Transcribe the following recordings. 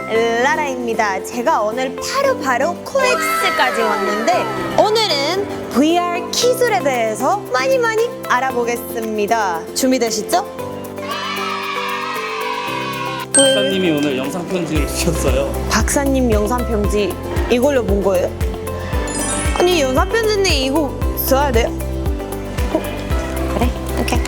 라라입니다. 제가 오늘 바로 코엑스까지 왔는데 오늘은 VR 기술에 대해서 많이 알아보겠습니다. 준비되시죠? 박사님이 오늘 영상 편지를 주셨어요. 박사님 영상 편지 이걸로 본 거예요? 아니 영상 편지인데 이거 써야 돼요? 그래? 오케이.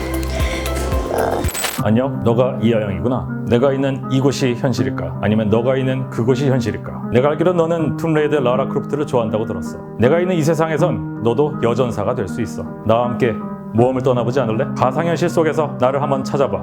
안녕, 너가 이하영이구나. 내가 있는 이곳이 현실일까? 아니면 너가 있는 그곳이 현실일까? 내가 알기로 너는 툼레이드 라라 크로프트를 좋아한다고 들었어. 내가 있는 이 세상에선 너도 여전사가 될 수 있어. 나와 함께 모험을 떠나보지 않을래? 가상현실 속에서 나를 한번 찾아봐.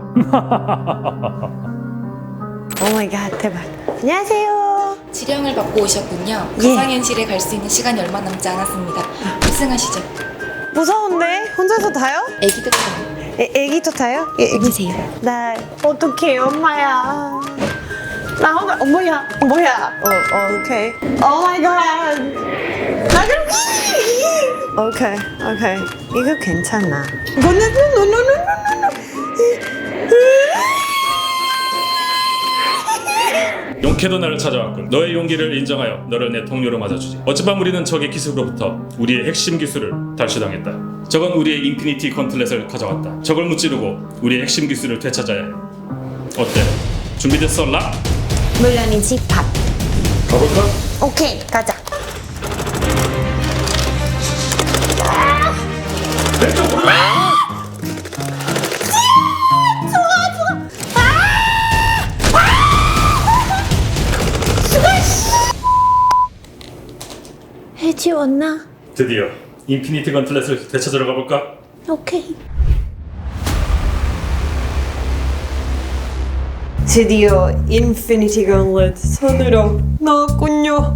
오 마이 갓, 대박. 안녕하세요. 지령을 받고 오셨군요. 예. 가상현실에 갈 수 있는 시간이 얼마 남지 않았습니다. 탑승하시죠. 무서운데? 혼자서 타요? 애기도 타요. 애기도 타요? 애기. 보세요. 나 어떡해 엄마야. 나 혼자 뭐야. 오케이. 오 마이 갓. 나 오케이. 이거 괜찮아. 용케도 나를 찾아왔군. 너의 용기를 인정하여 너를 내 동료로 맞아주지. 어젯밤 우리는 적의 기술로부터 우리의 핵심 기술을 탈취당했다. 적은 우리의 인피니티 건틀렛을 가져왔다. 적을 무찌르고 우리의 핵심 기술을 되찾아야 해. 어때? 준비됐어, 라? 물론이지 밥. 가볼까? 오케이 가자. 해지웠나? 드디어 인피니티 건틀렛을 되찾으러 가볼까? 오케이. 드디어 인피니티 건렛 손으로 넣었군요.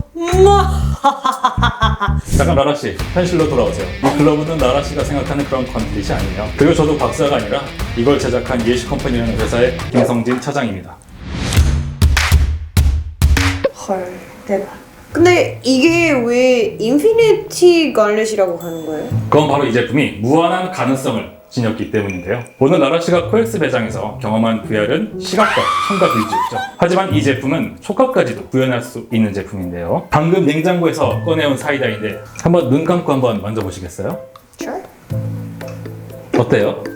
잠깐 라라씨, 현실로 돌아오세요. 이 글러브는 라라씨가 생각하는 그런 건틀렛이 아니에요. 그리고 저도 박사가 아니라 이걸 제작한 예시 컴퍼니라는 회사의 김성진 차장입니다. 헐 대박. 근데 이게 왜 인피니티 건렛이라고 하는 거예요? 그건 바로 이 제품이 무한한 가능성을 지녔기 때문인데요. 오늘 라라씨가 코엑스 배장에서 경험한 VR은 시각과 청각 위주였죠. 하지만 이 제품은 촉각까지도 구현할 수 있는 제품인데요. 방금 냉장고에서 꺼내온 사이다인데 한번 눈 감고 한번 만져보시겠어요? Sure. 어때요?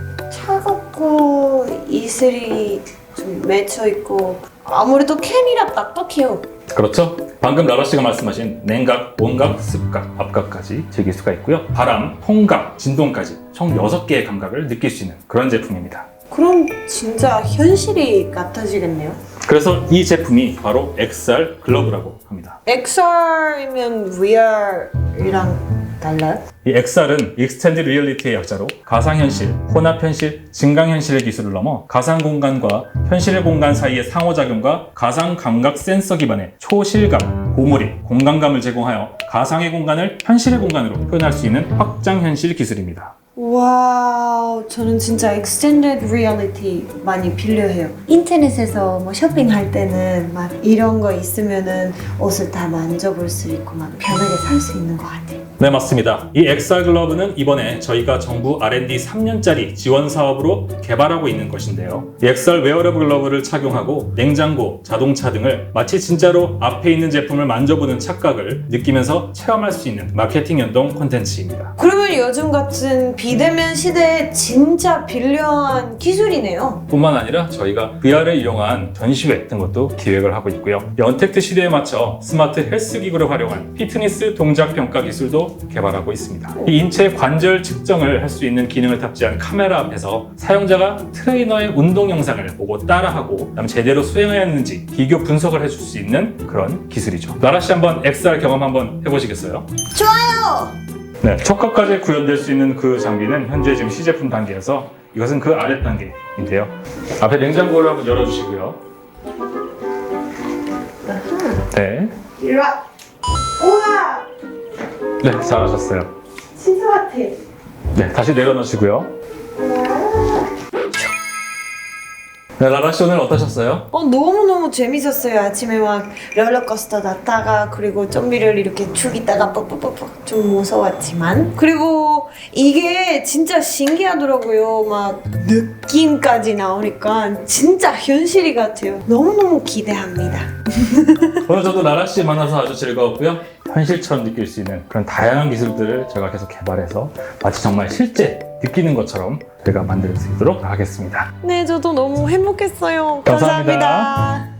차갑고 이슬이 좀 맺혀 있고 아무래도 캔이라 딱딱해요. 그렇죠? 방금 라라씨가 말씀하신 냉각, 온각, 습각, 압각까지 즐길 수가 있고요. 바람, 통각, 진동까지 총 6개의 감각을 느낄 수 있는 그런 제품입니다. 그럼 진짜 현실이 같아지겠네요. 그래서 이 제품이 바로 XR 글러브라고 합니다. XR이면 VR이랑 달라요? 이 XR은 Extended Reality의 약자로 가상현실, 혼합현실, 증강현실의 기술을 넘어 가상공간과 현실의 공간 사이의 상호작용과 가상감각 센서 기반의 초실감, 고몰입, 공간감을 제공하여 가상의 공간을 현실의 공간으로 표현할 수 있는 확장현실 기술입니다. 와우, 저는 진짜 Extended Reality 많이 필요해요. 인터넷에서 뭐 쇼핑할 때는 막 이런 거 있으면은 옷을 다 만져볼 수 있고 막 편하게 살 수 있는 것 같아요. 네, 맞습니다. 이 XR 글러브는 이번에 저희가 정부 R&D 3년짜리 지원 사업으로 개발하고 있는 것인데요. 이 XR 웨어러블 글러브를 착용하고 냉장고, 자동차 등을 마치 진짜로 앞에 있는 제품을 만져보는 착각을 느끼면서 체험할 수 있는 마케팅 연동 콘텐츠입니다. 그러면 요즘 같은 비대면 시대에 진짜 필요한 기술이네요. 뿐만 아니라 저희가 VR을 이용한 전시회 같은 것도 기획을 하고 있고요. 이 언택트 시대에 맞춰 스마트 헬스 기구를 활용한 피트니스 동작 평가 기술도 개발하고 있습니다. 이 인체 관절 측정을 할 수 있는 기능을 탑재한 카메라 앞에서 사용자가 트레이너의 운동 영상을 보고 따라하고 그다음 제대로 수행하였는지 비교 분석을 해줄 수 있는 그런 기술이죠. 나라씨 한번 XR 경험 한번 해보시겠어요? 좋아요! 네, 촉각까지 구현될 수 있는 그 장비는 현재 지금 시제품 단계여서 이것은 그 아래 단계인데요. 앞에 냉장고를 한번 열어주시고요. 네, 이리 와! 우와! 네, 잘하셨어요. 진짜 같아. 네, 다시 내려놓으시고요. 네, 라라씨 오늘 어떠셨어요? 너무너무 재밌었어요. 아침에 막 롤러코스터 탔다가 그리고 좀비를 이렇게 죽이다가 뻑뻑뻑뻑 좀 무서웠지만 그리고 이게 진짜 신기하더라고요. 막 느낌까지 나오니까 진짜 현실이 같아요. 너무너무 기대합니다. 오늘 저도 나라 씨 만나서 아주 즐거웠고요. 현실처럼 느낄 수 있는 그런 다양한 기술들을 제가 계속 개발해서 마치 정말 실제 느끼는 것처럼 저희가 만들 수 있도록 하겠습니다. 네, 저도 너무 행복했어요. 감사합니다. 감사합니다.